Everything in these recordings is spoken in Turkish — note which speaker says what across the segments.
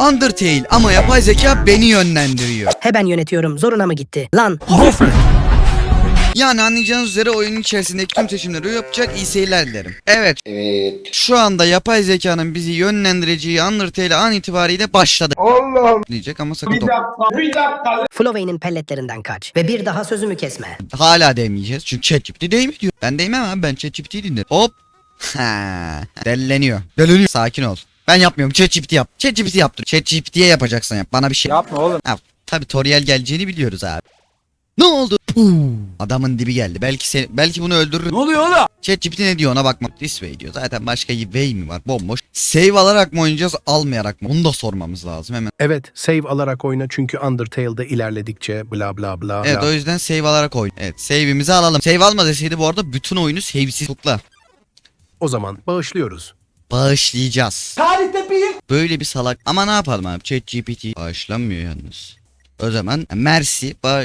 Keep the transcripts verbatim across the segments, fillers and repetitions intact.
Speaker 1: Undertale ama yapay zeka beni yönlendiriyor.
Speaker 2: He ben yönetiyorum. Zoruna mı gitti? Lan.
Speaker 1: Yani anlayacağınız üzere oyunun içerisindeki tüm seçimleri yapacak, iyi seyirler dilerim. Evet.
Speaker 3: Evet.
Speaker 1: Şu anda yapay zekanın bizi yönlendireceği Undertale an itibariyle başladı.
Speaker 3: Allah'ım.
Speaker 1: Diyecek ama sakın
Speaker 3: Bir dakika, bir dakika.
Speaker 2: Flowey'nin pelletlerinden kaç. Ve bir daha sözümü kesme.
Speaker 1: hala demeyeceğiz çünkü ChatGPT değil mi diyor. Ben değmem abi, ben ChatGPT'yi dinlerim. Hop. Ha, delleniyor. Delleniyor. Sakin ol. Ben yapmıyorum. ChatGPT yap. ChatGPT yaptır. ChatGPT'ye yapacaksın yap. Bana bir şey.
Speaker 3: Yapma oğlum.
Speaker 1: Ha, tabii Toriel geleceğini biliyoruz abi. Ne oldu? Puh. Adamın dibi geldi. Belki sen, belki bunu öldürür.
Speaker 3: Ne oluyor oğlum?
Speaker 1: ChatGPT ne diyor ona bakmak. This way diyor. Zaten başka bir way mi var? Bomboş. Save alarak mı oynayacağız, almayarak mı? Onu da sormamız lazım hemen.
Speaker 4: Evet, save alarak oyna çünkü Undertale'da ilerledikçe bla bla bla.
Speaker 1: Evet,
Speaker 4: bla.
Speaker 1: o yüzden save alarak oyna. Evet, save'imizi alalım. Save alma deseydi bu arada bütün oyunu save'siz tutla.
Speaker 4: O zaman bağışlıyoruz.
Speaker 1: Bağışlayacağız.
Speaker 3: Tarihte bir.
Speaker 1: Böyle bir salak. Ama ne yapalım abi? ChatGPT bağışlanmıyor yalnız. O zaman Mersi bağ...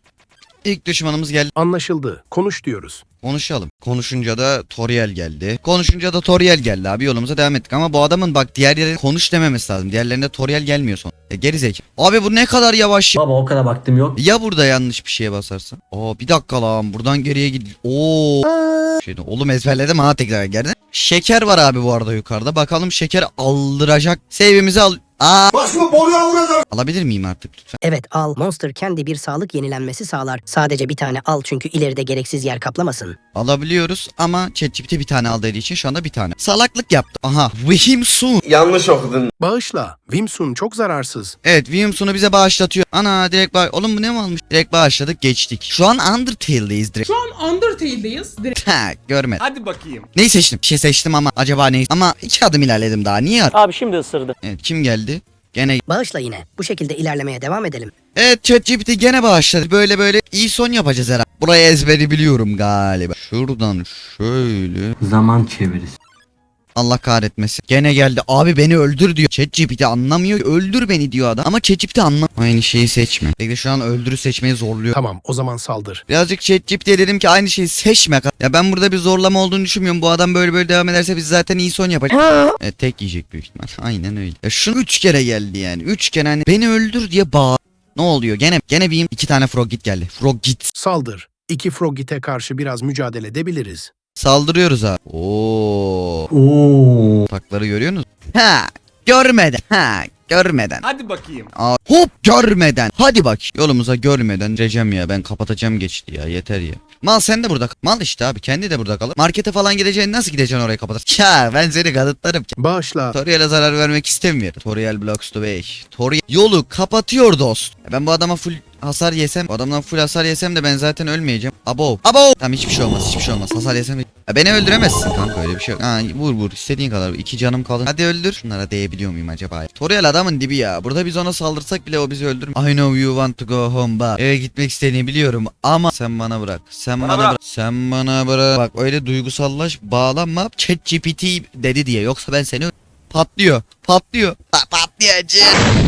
Speaker 1: İlk düşmanımız geldi.
Speaker 4: Anlaşıldı. Konuş diyoruz.
Speaker 1: Konuşalım. Konuşunca da Toriel geldi. Konuşunca da Toriel geldi abi, yolumuza devam ettik. Ama bu adamın bak diğer yere konuş dememesi lazım. Diğerlerinde Toriel gelmiyor son. E, gerizekalı. Abi bu ne kadar yavaş.
Speaker 5: Baba o kadar vaktim yok.
Speaker 1: Ya burada yanlış bir şeye basarsan? Aa bir dakika lan, buradan geriye gid. Oo. Şeyde oğlum ezberledim ha, tekrar geldi. Şeker var abi bu arada yukarıda. Bakalım şeker aldıracak. Save'imizi al. Aa.
Speaker 3: Başımı boruya vuracağım.
Speaker 1: Alabilir miyim artık lütfen?
Speaker 2: Evet al. Monster kendi bir sağlık yenilenmesi sağlar. Sadece bir tane al çünkü ileride gereksiz yer kaplamasın.
Speaker 1: Alabiliyoruz ama ChatGPT bir tane al dediği için şu anda bir tane. Salaklık yaptı. Aha. Vihimsun.
Speaker 3: Yanlış okudun.
Speaker 4: Bağışla. Wimsun çok zararsız.
Speaker 1: Evet, Vihimsun'u bize bağışlatıyor. Ana direkt bağ... Oğlum bu ne mi almış? Direkt bağışladık, geçtik. Şu an Undertale'deyiz direkt.
Speaker 6: Şu an Undertale'deyiz. Direkt
Speaker 1: Ha, görmedim.
Speaker 3: Hadi bakayım.
Speaker 1: Neyi seçtim? Bir şey seçtim ama acaba neyi? Ama iki adım ilerledim daha. Niye?
Speaker 5: Abi şimdi ısırdı.
Speaker 1: Evet, kim geldi? Gene.
Speaker 2: Bağışla yine. Bu şekilde ilerlemeye devam edelim.
Speaker 1: Evet, ChatGPT gene bağışladı. Böyle böyle iyi son yapacağız herhalde. Buraya ezberi biliyorum galiba. Şuradan şöyle.
Speaker 5: Zaman çevirisi.
Speaker 1: Allah kahretmesin. Gene geldi. Abi beni öldür diyor. ChatGPT anlamıyor. Öldür beni diyor adam. Ama ChatGPT anlam. Aynı şeyi seçme. Bekle, şu an öldürü seçmeyi zorluyor.
Speaker 4: Tamam, o zaman saldır.
Speaker 1: Birazcık ChatGPT'ye dedim ki aynı şeyi seçme. Ya ben burada bir zorlama olduğunu düşünmüyorum. Bu adam böyle böyle devam ederse biz zaten iyi son yapacağız. Evet, tek yiyecek büyük ihtimal. Aynen öyle. Ya şunu üç kere geldi yani. Üç kere hani beni öldür diye bağır. Ne oluyor? Gene gene bir iki tane frog git geldi. Frog git.
Speaker 4: Saldır. İki Frogit'e karşı biraz mücadele edebiliriz.
Speaker 1: Saldırıyoruz abi. Oo.
Speaker 5: Oo.
Speaker 1: Takları görüyorsunuz? Ha, görmeden. Ha, görmeden.
Speaker 3: Hadi bakayım.
Speaker 1: Aa, hop, görmeden. Hadi bak. Yolumuza görmeden Recem ya, ben kapatacağım geçti ya, yeter ya. Mal sen de burada kal. Mal işte abi, kendi de burada kalır. Markete falan gideceğin, nasıl gideceksin oraya kapatır? Ya ben seni kanıtlarım.
Speaker 4: Bağışla.
Speaker 1: Toriel'e zarar vermek istemiyorum. Toriel blocks the way. Toriel yolu kapatıyor dost. Ben bu adama full hasar yesem, bu adamdan full hasar yesem de ben zaten ölmeyeceğim. Abo. Abo. Tamam, hiçbir şey olmaz, hiçbir şey olmaz. Hasar yesem de... Ya beni öldüremezsin kanka, öyle bir şey yok. Ha, vur vur istediğin kadar. İki canım kaldı. Hadi öldür. Şunlara değebiliyor muyum acaba? Toriel adamın dibi ya. Burada biz ona saldırsak bile o bizi öldürür. I know you want to go home bak. Eve gitmek istediğini biliyorum ama sen bana bırak. Sen bana,
Speaker 3: Bana
Speaker 1: bırak.
Speaker 3: bırak.
Speaker 1: Sen bana bırak. Bak öyle duygusallaş, bağlanma. ChatGPT dedi diye. Yoksa ben seni patlıyor. Patlıyor. Pa patlayacak.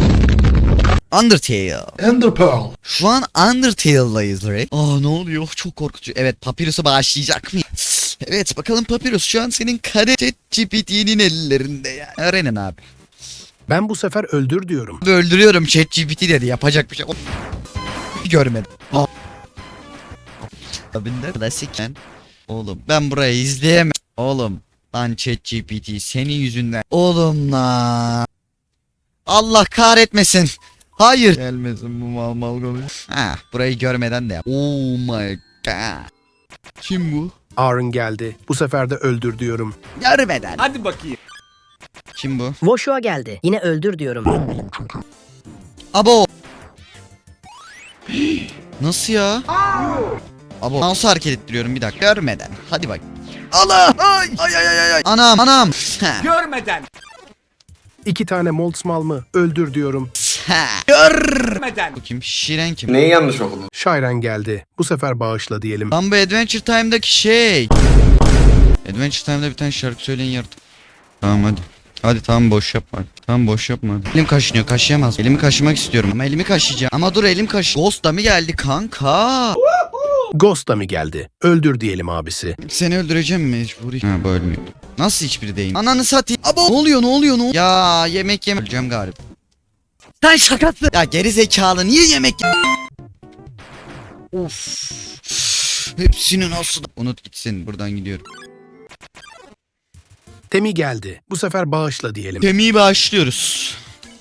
Speaker 1: Undertale.
Speaker 7: Ender Pearl.
Speaker 1: Şu an Undertale'dayız direkt. Aa ne oluyor? Çok korkutucu. Evet, Papyrus'u bağışlayacak mı? Evet bakalım Papyrus, şu an senin kare ChatGPT'nin ellerinde ya. Öğrenin abi.
Speaker 4: Ben bu sefer öldür diyorum.
Speaker 1: Abi öldürüyorum ChatGPT dedi, yapacak bir şey. O- Görmedim. Aa. Abinde klasik lan. Oğlum ben burayı izleyemem. Oğlum lan ChatGPT senin yüzünden. Oğlum la. Allah kahretmesin. Hayır. Gelmesin bu mal mal konuş. Ha, burayı görmeden de yap. Oh my god. Kim bu?
Speaker 4: Aaron geldi. Bu sefer de öldür diyorum.
Speaker 1: Görmeden.
Speaker 3: Hadi bakayım.
Speaker 1: Kim bu?
Speaker 2: Voshua geldi. Yine öldür diyorum.
Speaker 1: Abo. Nasıl ya? Abo. Nasıl hareket ettiriyorum bir dakika. Görmeden. Hadi bak. Allah. Ay ay ay ay ay. Anam anam. Ha.
Speaker 3: Görmeden.
Speaker 4: İki tane Moldsmal mı? Öldür diyorum.
Speaker 1: Ha. Gör.
Speaker 3: Görmeden.
Speaker 1: Bu kim? Şiren kim?
Speaker 3: Neyi yanlış okudun?
Speaker 4: Shyren geldi. Bu sefer bağışla diyelim.
Speaker 1: Lan bu Adventure Time'daki şey. Adventure Time'da bir tane şarkı söyleyin yaratık. Tamam hadi. Hadi tamam, boş yapma. Tamam boş yapma. Elim kaşınıyor, kaşıyamaz. Elimi kaşımak istiyorum ama elimi kaşıyacağım. Ama dur, elim kaşı. Ghost da mı geldi kanka?
Speaker 4: Ghost da mı geldi? Öldür diyelim abisi.
Speaker 1: Seni öldüreceğim mecburi. Ha bu ölmüyor. Nasıl hiçbiri değil? Ananı satayım. Abo. Ne oluyor ne oluyor ne oluyor? Ya yemek yeme. Öleceğim galiba. Lan şakası. Ya geri zekalı niye yemek ye- Of. Hepsini nasıl da- Unut gitsin, buradan gidiyorum.
Speaker 4: Temi geldi. Bu sefer bağışla diyelim.
Speaker 1: Kemiği başlıyoruz.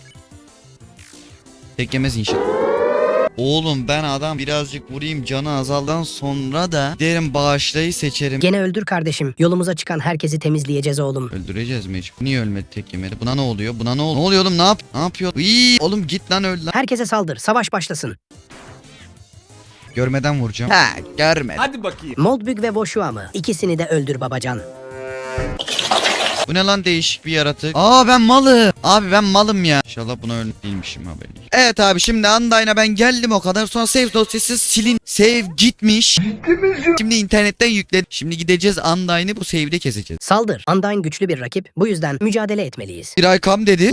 Speaker 1: Tek yemez inşallah. Oğlum ben adam birazcık vurayım canı azaldan sonra da derim bağışlayı seçerim.
Speaker 2: Gene öldür kardeşim. Yolumuza çıkan herkesi temizleyeceğiz oğlum.
Speaker 1: Öldüreceğiz mecbur. Niye ölmedi tek yemedi? Buna ne oluyor? Buna ne oluyor? Ne oluyor oğlum? Ne yap? Ne yapıyor? Iiii, oğlum git lan öl lan.
Speaker 2: Herkese saldır. Savaş başlasın.
Speaker 1: Görmeden vuracağım. Ha, görmedim.
Speaker 3: Hadi bakayım.
Speaker 2: Moldbug ve Voshua mı? İkisini de öldür babacan.
Speaker 1: Bu ne lan değişik bir yaratık. Aa ben malım. Abi ben malım ya. İnşallah buna ölüm değilmişim haberim. Evet abi şimdi Undyne'a ben geldim o kadar. Sonra save dosyası silin. Save gitmiş. Şimdi internetten yükledim. Şimdi gideceğiz Undyne'ı bu save'de keseceğiz.
Speaker 2: Saldır. Undyne güçlü bir rakip. Bu yüzden mücadele etmeliyiz.
Speaker 1: Bir Icam dedi.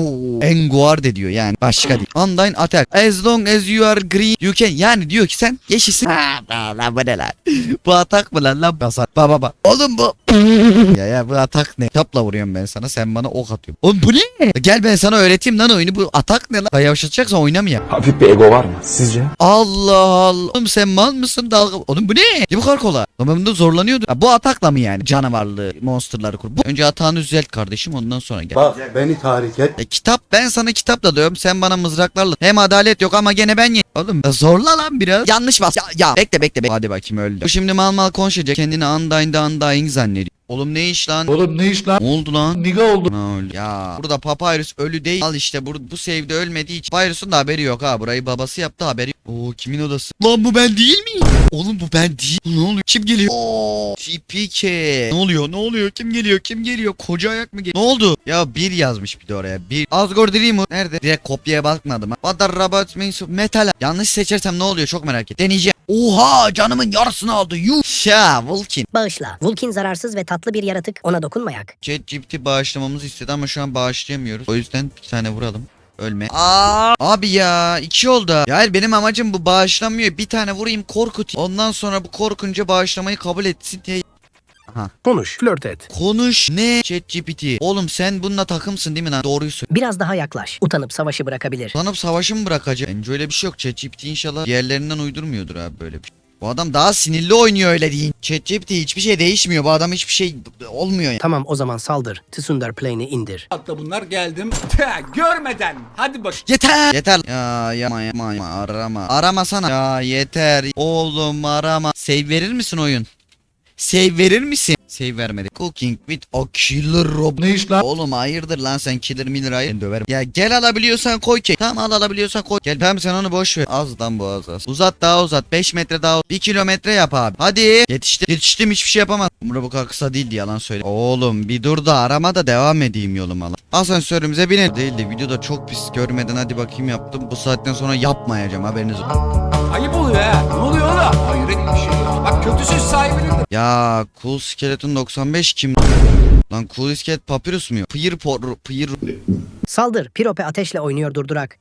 Speaker 1: Enguar de diyor yani. Başka değil. Undyne attack. As long as you are green you can. Yani diyor ki sen yeşilsin. Ha, lan bu ne lan? Bu atak mı lan lan? Basar. Ba ba ba. Oğlum bu. ya ya bu atak ne? Kitapla vuruyorum ben sana. Sen bana ok atıyorsun. Oğlum bu ne? Gel ben sana öğreteyim lan oyunu. Bu atak ne lan? Yavaşlatacaksan oynamayayım.
Speaker 3: Hafif bir ego var mı sizce?
Speaker 1: Allah Allah. Oğlum sen mal mısın? Dalga. Oğlum bu ne? Ne bu kadar kolay? Lan ben bunda zorlanıyordum. Ha, bu atakla mı yani? Canavarlı monsterları kur. Bu... Önce atağını düzelt kardeşim ondan sonra gel.
Speaker 3: Bak beni tahrik et.
Speaker 1: E, kitap ben sana kitapla diyorum sen bana mızraklarla. Hem adalet yok ama gene ben ye. Oğlum ya zorla lan biraz. Yanlış bas. Ya, ya. Bekle bekle bekle. Hadi bakayım öldü. Bu şimdi mal mal konuşacak. Kendini Undyne'da Undying zannediyor. Oğlum ne iş lan?
Speaker 3: Oğlum ne iş lan?
Speaker 1: Ne oldu lan?
Speaker 3: Niga oldu.
Speaker 1: Ha, öldü. Ya burada Papyrus ölü değil. Al işte bu, bu save'de ölmediği için. Papyrus'un da haberi yok ha. Burayı babası yaptı haberi yok. Oo kimin odası? Lan bu ben değil miyim? Oğlum bu ben değil. Ne oluyor? Kim geliyor? Oo T P K. Ne oluyor? Ne oluyor? Kim geliyor? Kim geliyor? Koca ayak mı geliyor? Ne oldu? Ya bir yazmış bir de oraya. Bir. Asgore Dreamer. Nerede? Direkt kopyaya bakmadım ha. What are robots means of metal? Yanlış seçersem ne oluyor? Çok merak et. Deneyeceğim. Oha canımın yarısını aldı. Yuh. Ya Vulkin.
Speaker 2: Bağışla. Vulkin zararsız ve tatlı bir yaratık. Ona dokunmayak.
Speaker 1: ChatGPT bağışlamamızı istedi ama şu an bağışlayamıyoruz. O yüzden bir tane vuralım. Ölme. Aa, abi ya iki oldu. Ya hayır, benim amacım bu bağışlamıyor. Bir tane vurayım korkutayım. Ondan sonra bu korkunca bağışlamayı kabul etsin diye. Aha.
Speaker 4: Konuş, flört et.
Speaker 1: Konuş. Ne? ChatGPT. Oğlum sen bununla takımsın değil mi lan? Doğruyu söyle.
Speaker 2: Biraz daha yaklaş. Utanıp savaşı bırakabilir.
Speaker 1: Sanıp savaşı mı bırakacak? Bence öyle bir şey yok. ChatGPT inşallah diğerlerinden uydurmuyordur abi böyle bir şey. Bu adam daha sinirli oynuyor öyle değil. ChatGPT hiçbir şey değişmiyor. Bu adam hiçbir şey olmuyor ya.
Speaker 2: Tamam o zaman saldır. Tsundar Plane'i indir.
Speaker 3: Hatta bunlar geldim. Görmeden. Hadi bak.
Speaker 1: Yeter. Yeter. Ya yapma yapma yapma. Arama. Arama sana. Ya yeter. Oğlum arama. Save verir misin oyun? Save verir misin? Save vermedi. Cooking with a killer robot.
Speaker 3: Ne iş lan?
Speaker 1: Oğlum hayırdır lan sen killer miller hayır. Ben döverim. Ya gel alabiliyorsan koy ki. Tamam al alabiliyorsan koy. Gel tamam sen onu boş ver. Az lan bu az az. Uzat daha uzat. beş metre daha uzat. bir kilometre yap abi. Hadi. Yetiştim. Yetiştim hiçbir şey yapamaz. Umre bu kadar kısa değildi yalan söyle. Oğlum bir dur da arama da devam edeyim yoluma lan. Asansörümüze binin. Değildi videoda çok pis görmeden hadi bakayım yaptım. Bu saatten sonra yapmayacağım haberiniz olsun.
Speaker 3: Ayıp oluyor ha. Ne oluyor oğlum? Hayret bir şey ya. Bak kötü söz sahibinin de.
Speaker 1: Ya Cool Skeleton doksan beş kim? Lan Cool Skelet Papyrus mu? Pıyır por pıyır.
Speaker 2: Saldır. Pirope ateşle oynuyor durdurak.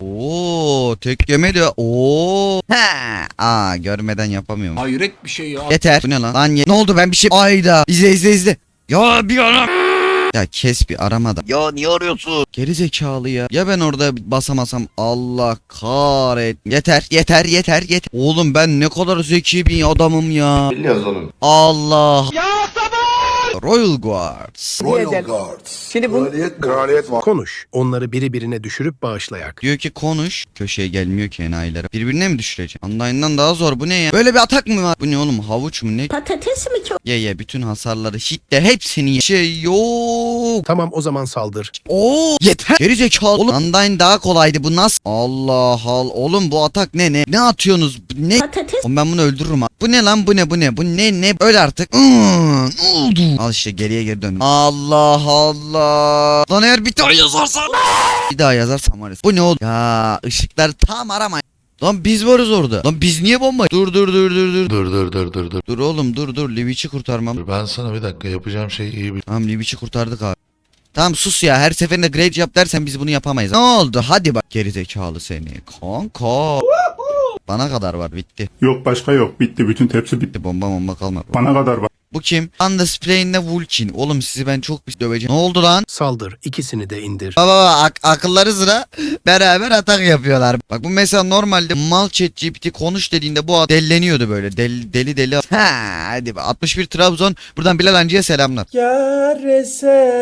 Speaker 1: Oo tek yemedi. Oo. Ha. Aa görmeden yapamıyorum.
Speaker 3: Hayret bir şey ya.
Speaker 1: Yeter. Bu ne lan? Lan ye. Ne oldu ben bir şey. Ayda. İzle izle izle. Ya bir ara. Ya kes bir arama da. Ya niye arıyorsun? Geri zekalı ya. Ya ben orada basamasam Allah kahret. Yeter yeter yeter yeter. Oğlum ben ne kadar zeki bir adamım ya.
Speaker 3: Biliyoruz oğlum.
Speaker 1: Allah. Ya sabır. Royal Guards.
Speaker 3: Royal Guards. Şimdi bu kraliyet var.
Speaker 4: Konuş. Onları biri birine düşürüp bağışlayak.
Speaker 1: Diyor ki konuş. Köşeye gelmiyor ki enayilere. Birbirine mi düşürecek? Online'dan daha zor. Bu ne ya? Böyle bir atak mı var? Bu ne oğlum? Havuç mu ne?
Speaker 2: Patates mi çok?
Speaker 1: Ye ye bütün hasarları hitler hepsini ye. Şey yok.
Speaker 4: Tamam o zaman saldır.
Speaker 1: Oo yeter. Geri zekalı. Oğlum Undyne daha kolaydı. Bu nasıl? Allah Allah. Oğlum bu atak ne ne? Ne atıyorsunuz? Bu ne?
Speaker 2: Patates.
Speaker 1: Oğlum ben bunu öldürürüm ha. Bu ne lan? Bu ne? Bu ne? Bu ne ne? Öl artık. Iıı, ne oldu? Al işte geriye geri dön. Allah Allah. Lan eğer bir daha yazarsan. Bir daha yazarsam var ya. Bu ne oldu? Ya ışıklar tam arama. Lan biz varız orada. Lan biz niye bomba? Dur dur dur dur dur.
Speaker 7: Dur dur dur dur dur.
Speaker 1: Dur oğlum dur dur. Liviç'i kurtarmam.
Speaker 7: Dur ben sana bir dakika yapacağım şey iyi bil.
Speaker 1: Tamam Liviç'i kurtardık abi. Tamam sus ya. Her seferinde great yap dersen biz bunu yapamayız. Ne oldu? Hadi bak. Gerizekalı seni. Kanka. Bana kadar var bitti.
Speaker 8: Yok başka yok. Bitti. Bütün tepsi bitti.
Speaker 1: Bomba bomba kalmadı.
Speaker 8: Bana kadar var.
Speaker 1: Bu kim? Underspray'inle Vulkin. Oğlum sizi ben çok pis döveceğim. Ne oldu lan?
Speaker 4: Saldır, ikisini de indir.
Speaker 1: Baba baba ak- akılları sıra beraber atak yapıyorlar. Bak bu mesela normalde mal chat G P T konuş dediğinde bu adam delleniyordu böyle. Deli deli. deli. Ha hadi be. altmış bir Trabzon. Buradan Bilal Hancı'ya selamlar.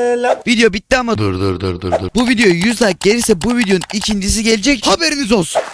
Speaker 1: Video bitti ama
Speaker 7: Dur dur dur dur dur.
Speaker 1: bu video yüz like gelirse bu videonun ikincisi gelecek. Haberiniz olsun.